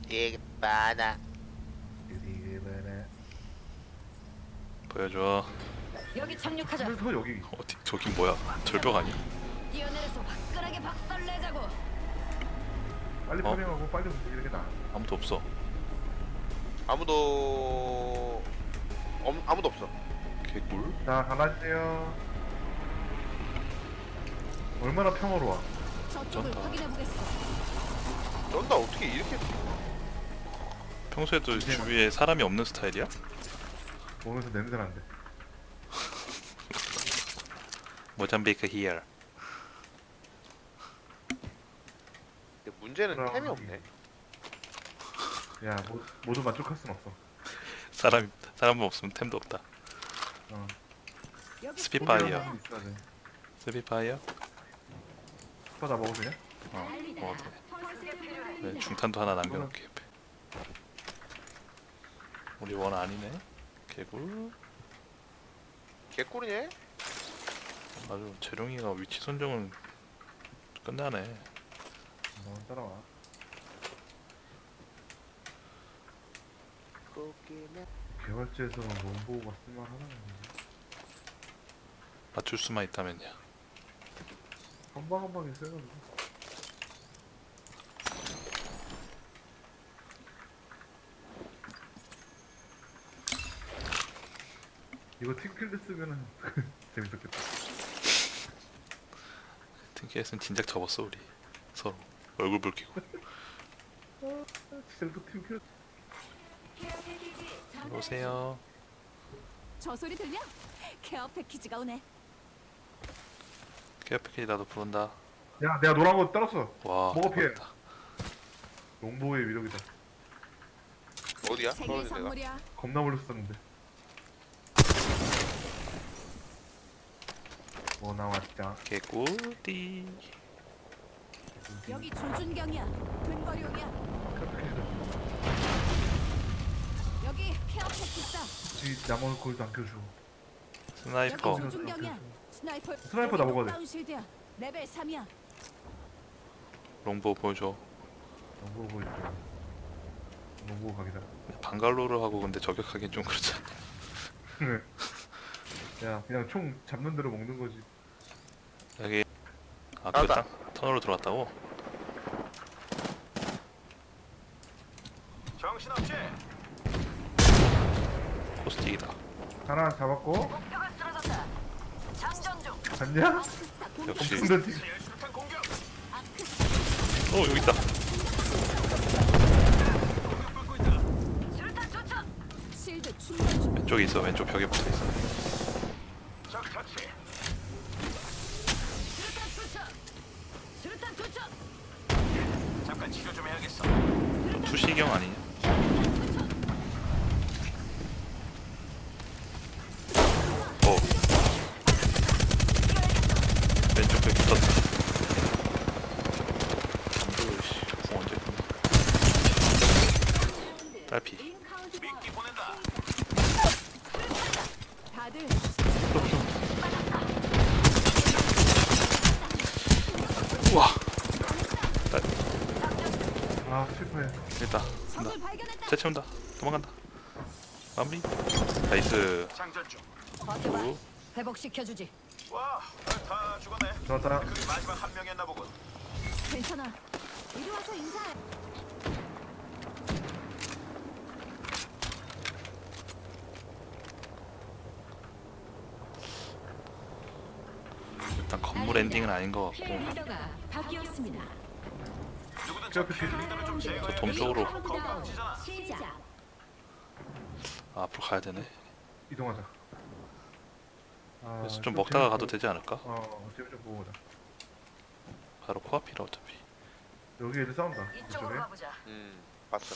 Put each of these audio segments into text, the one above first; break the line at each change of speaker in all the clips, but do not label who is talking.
되게 많아.
되게 많아.
보여줘.
여기 착륙하자.
하면서 여기
어디 저긴 뭐야? 절벽 아니야?
뛰어내려서 화끈하게 박살내자고.
빨리
어?
파밍하고 빨리 움직이는 게 나아.
아무도 없어.
아무도 없어.
개꿀.
자, 가라지요. 얼마나 평화로워.
저쪽을
좋다.
확인해 보겠어.
쩐다 어떻게 이렇게
평소에도 주위에 사람이 없는 스타일이야?
오면서 냄새 난대.
모잠비크 히어.
근데 문제는
그럼.
템이 없네.
야, 모두 만족할 순 없어.
사람 없으면 템도 없다.
어.
여기
스피파이어.
포기하는 게 있어야 돼.
스피파이어?
스파 다 먹어도 되냐?
먹어도 돼. 네, 중탄도 하나 남겨놓게. 옆에. 우리 원 아니네. 개꿀.
개꿀이네.
아주 재룡이가 위치 선정은 끝나네.
너 따라와.
거기는
개발지에서는 롱보우가 쓸만하나?
맞출 수만 있다면야.
한 방에 세가지고. 이거 팀킬드 쓰면은 재밌었겠다.
팅키에서는 진작 접었어 우리 서로 얼굴 붉히고.
진짜 또 팀킬.
오세요.
저 소리 들려? 케어 패키지가 오네.
케어 패키지 나도 부른다.
야, 내가 노란 거 따랐어.
와.
먹어, 피해.
대박이다.
롱보우의 위력이다.
어디야?
생일
떨어진 데가?
선물이야.
겁나 몰렸었는데. 뭐 나왔죠?
개꿀띠.
여기 조준경이야. 근거리용이야. 여기 케어 패키지다.
굳이 나머지 골도 안 켜줘.
스나이퍼.
여기 조준경이야. 스나이퍼.
스나이퍼 나 먹어야 돼.
다운 실드야. 레벨 3이야.
롱보 보여줘.
롱보우 보여줄게. 롱보우 각이다.
방갈로를 하고 근데 저격하기엔 좀 그렇잖아.
야, 그냥 총 잡는 대로 먹는 거지.
여기 아
나왔다.
그땅 터널로 들어왔다고?
정신없지?
코스틱이다.
하나 잡았고.
목표가 쓰러졌다. 장전 중.
갔냐?
아크스타 공격.
역시.
근데 지금
수류탄 공격!
아크스타
여기 있다.
공격받고 있다!
수류탄 투척. 실드 충전 중.
왼쪽에 있어. 왼쪽 벽에 붙어 있어.
적 터치!
수류탄 투척. 수류탄 투척.
잠깐 치료 좀 해야겠어.
투시경 아니냐? 어. 왼쪽 벽에 붙었다. 씨, 언제 끝나? 딸피.
미끼 보낸다!
다들
우와.
아, 실패해.
됐다. 간다.
적을 발견했다.
채채온다. 도망간다. 마무리. 나이스.
장전 중!
버텨봐.
오.
회복시켜주지.
와, 다 죽었네.
좋았다.
그게 마지막 한 명이었나 보군.
괜찮아. 이리 와서 인사해.
일단 건물 엔딩은 아닌 것 같고.
리더가 바뀌었습니다.
누구든 저 필드를 좀 제거해.
저 동쪽으로.
건강지잖아.
시작.
아, 앞으로 가야 되네.
이동하자. 아,
그래서 좀 먹다가
재밌-
가도 되지 않을까?
재미 좀 보고 오자.
바로 코앞이라 어차피.
여기 애들 싸운다.
이쪽으로
이쪽에.
가보자.
봤어.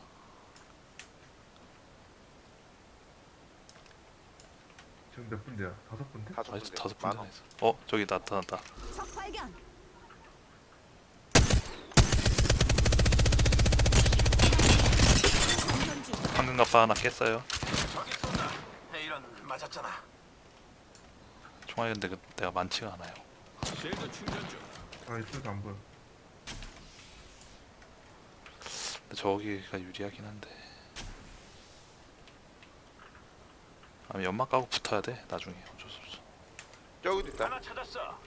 지금 몇 분대야? 5분대?
다섯
아직
군데.
5분
많아.
전에 있어. 저기 나타났다.
적 발견. 장전 중.
황금 갑바 하나 깼어요.
저기 쏜다. 이런, 맞았잖아.
총알이 근데 내가 많지가 않아요.
실드 충전 중.
아, 이쪽도 안 보여.
근데 저기가 유리하긴 한데. 아니 연막 까고 붙어야 돼 나중에 어쩔 수 없어.
저기도 있다.
하나 찾았어.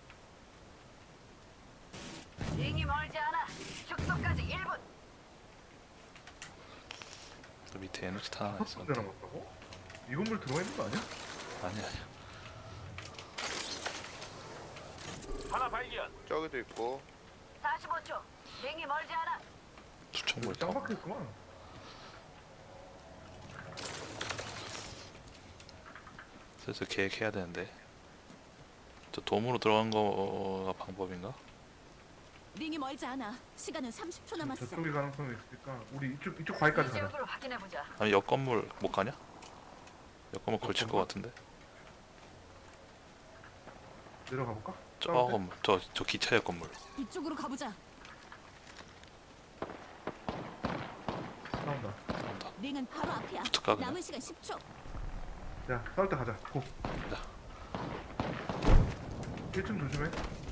링이 멀지 않아. 축소까지 1분.
저 밑에 에너지 탄 하나 있어.
첫 번째 남았다고? 이 건물 들어가 있는 거 아니야?
아니야.
하나 발견.
저기도 있고.
45초. 링이 멀지 않아.
수청물
짱
있다.
박혀있구만.
슬슬 계획해야 되는데. 저 돔으로 들어간 거가 방법인가?
링이 멀지 않아. 시간은 30초 남았어.
저쪽에 가능성이 있으니까 우리 이쪽 바위까지
이
가자.
지역으로 확인해 보자.
아니 옆 건물 못 가냐? 옆 건물 걸칠 것 같은데.
내려가 볼까?
저 건물 저 기차역 건물.
이쪽으로 가보자.
싸운다.
나온다.
링은 바로 앞이야.
붙을까, 그냥?
남은 시간 10초.
야, 싸울 때 가자. 고.
가자.
1층 조심해.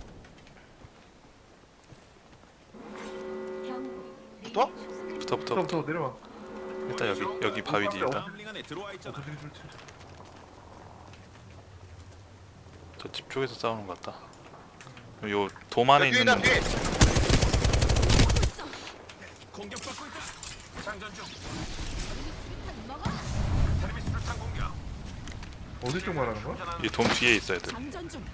붙어?
붙어 내려와.
일단 여기 바위 뒤 일단.
다음 링 안에 들어와 있잖아.
좋지.
저 집 쪽에서 싸우는 것 같다. 요 돔 안에
뒤에
있는
있다, 뒤에.
공격받고 있다. 장전 중.
먹어.
테레비 수류탄 공격.
어디 쪽 말하는 거야?
충전하는
이돔 뒤에 있어야 돼.
장전 중.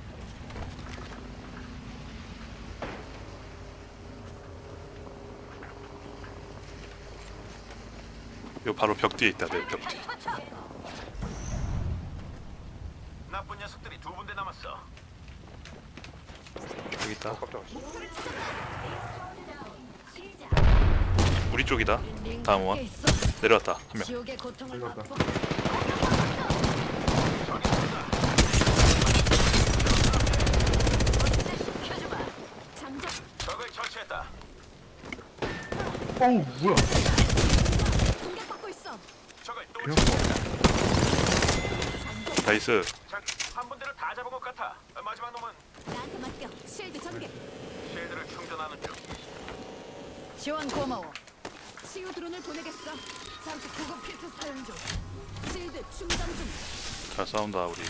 요 바로 벽 뒤에 있다. 내 벽 뒤.
나쁜 녀석들이 두 군데 남았어.
여기 있다.
깜짝아.
우리 쪽이다. 다음 원 내려왔다. 한 명.
지옥의 고통을
들어갔다.
맛보. 시켜주마.
장전.
적을 처치했다.
어우, 뭐야?
공격받고 있어.
적을 또
그냥
나이스.
한 분대를 다 잡은 것 같아. 마지막 놈은
나한테 맡겨. 실드 전개.
쉴드를 충전하는 중.
지원 고마워.
치유 드론을 보내겠어. 잠시 구급 키트 사용 중. 실드 충전 중.
잘 싸운다 우리.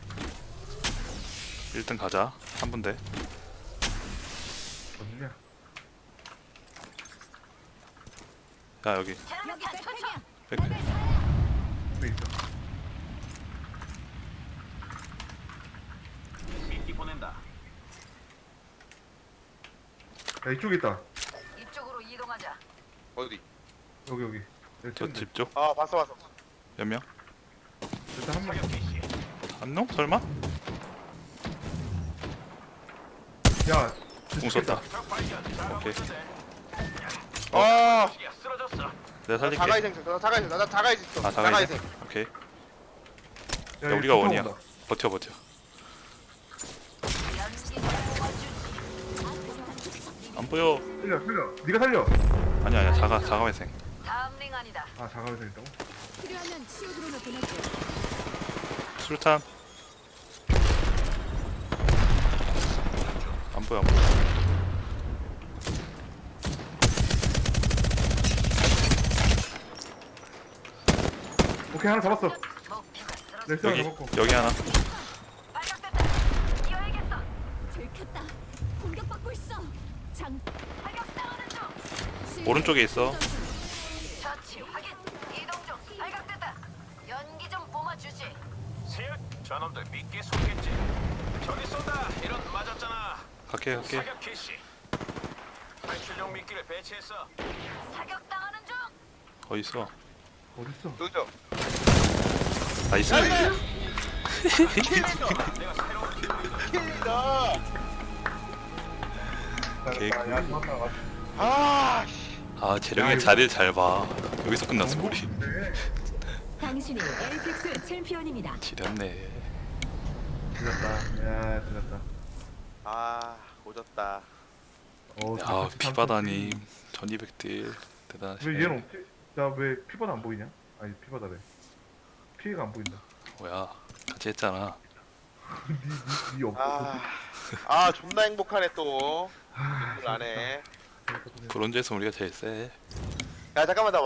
1등 가자. 한 분대.
어디냐?
야 여기.
여기 백팩이야.
백.
레벨 4야.
여기 있어.
미끼 보낸다.
야, 이쪽에 있다.
이쪽으로 이동하자.
어디?
여기.
저 집 쪽.
아, 봤어.
몇 명?
일단 한 명.
사격 개시.
한 명? 설마?
야,
공 썼다.
적 발견. 잘하고
오케이.
있는데.
아,
시야 쓰러졌어.
내가 살릴게.
자가이생, 나 자가이생 있어.
아 자가이생. 오케이.
야,
야, 우리가
이쪽
원이야.
온다.
버텨.
연기 좀 뽑아주지.
안 보여.
살려. 네가 살려.
아니야 자가회생.
다음 링 아니다.
아, 자가회생 있다고?
필요하면 치유 드론을 보낼게.
수류탄. 안 보여.
오케이, 하나 잡았어.
목표가 쓰러졌어.
렉스 하나
여기
잡았고.
여기 하나.
발각됐다. 뛰어야겠어.
들켰다. 공격받고 있어. 장.
발각당하는 중.
실드
오른쪽에 있어.
충전 중.
처치 확인. 이동 중. 발각됐다. 연기 좀 뿜어주지.
세열. 저놈들 미끼 쏘겠지. 저기 쏜다. 이런 맞았잖아.
갈게.
사격 개시. 탈출용 미끼를 배치했어.
사격당하는 중.
어디 있어?
어딨어?
여기죠.
나이스.
내가 새로운 기술을
킬이다.
개꿀.
야, 잡았다.
아, 씨.
아
야,
재령이
이거-
자리를 잘 봐. 여기서 끝났어 우리.
네.
당신이 에이픽스 챔피언입니다.
지렸네.
지렸다.
아, 오졌다.
야 피바다님 1200딜 대단하시네.
왜 얘는 없지? 나 왜 피바다 안 보이냐? 아니, 피바다래. 피해가 안 보인다.
뭐야 같이 했잖아.
니 없어.
존나 행복하네 또. 안 해.
브론즈에서 우리가 제일 세.
야 잠깐만 나